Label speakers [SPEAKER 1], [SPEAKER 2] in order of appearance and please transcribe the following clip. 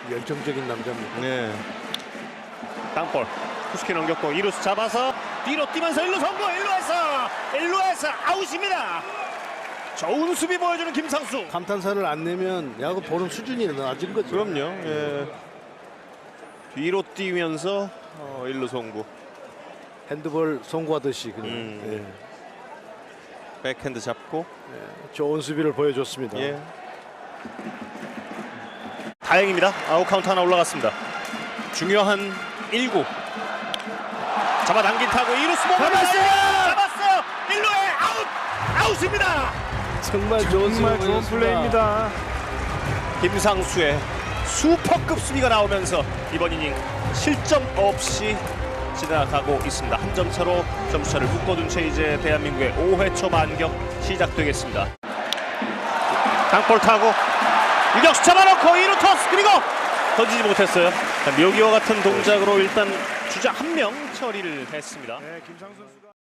[SPEAKER 1] 열정적인 남자입니다.
[SPEAKER 2] 네. 땅볼 후스키 넘겼고 2루수 잡아서 뒤로 뛰면서 1루 성공. 1루에서 아웃입니다. 좋은 수비 보여주는 김상수.
[SPEAKER 1] 감탄사를 안 내면 야구 보는 수준이 낮은 거죠.
[SPEAKER 2] 그럼요. 예. 뒤로 뛰면서 1루 송구.
[SPEAKER 1] 핸드볼 송구하듯이 그냥.
[SPEAKER 2] 백핸드 잡고
[SPEAKER 1] 좋은 수비를 보여줬습니다.
[SPEAKER 2] 예. 다행입니다. 아웃 카운트 하나 올라갔습니다. 중요한 1구 잡아당긴 타고 2루수 잡았어요. 1루에 아웃입니다.
[SPEAKER 1] 정말 좋은
[SPEAKER 3] 플레이입니다.
[SPEAKER 2] 김상수의 슈퍼급 수비가 나오면서 이번 이닝 실점 없이 지나가고 있습니다. 한 점 차로 점수차를 묶어둔 채 이제 대한민국의 5회 초 반격 시작되겠습니다. 땅볼 타고 유격수 잡아놓고 2루 토스 그리고 던지지 못했어요. 묘기와 같은 동작으로 일단 주자 한 명 처리를 했습니다.
[SPEAKER 3] 네, 김상수 선수가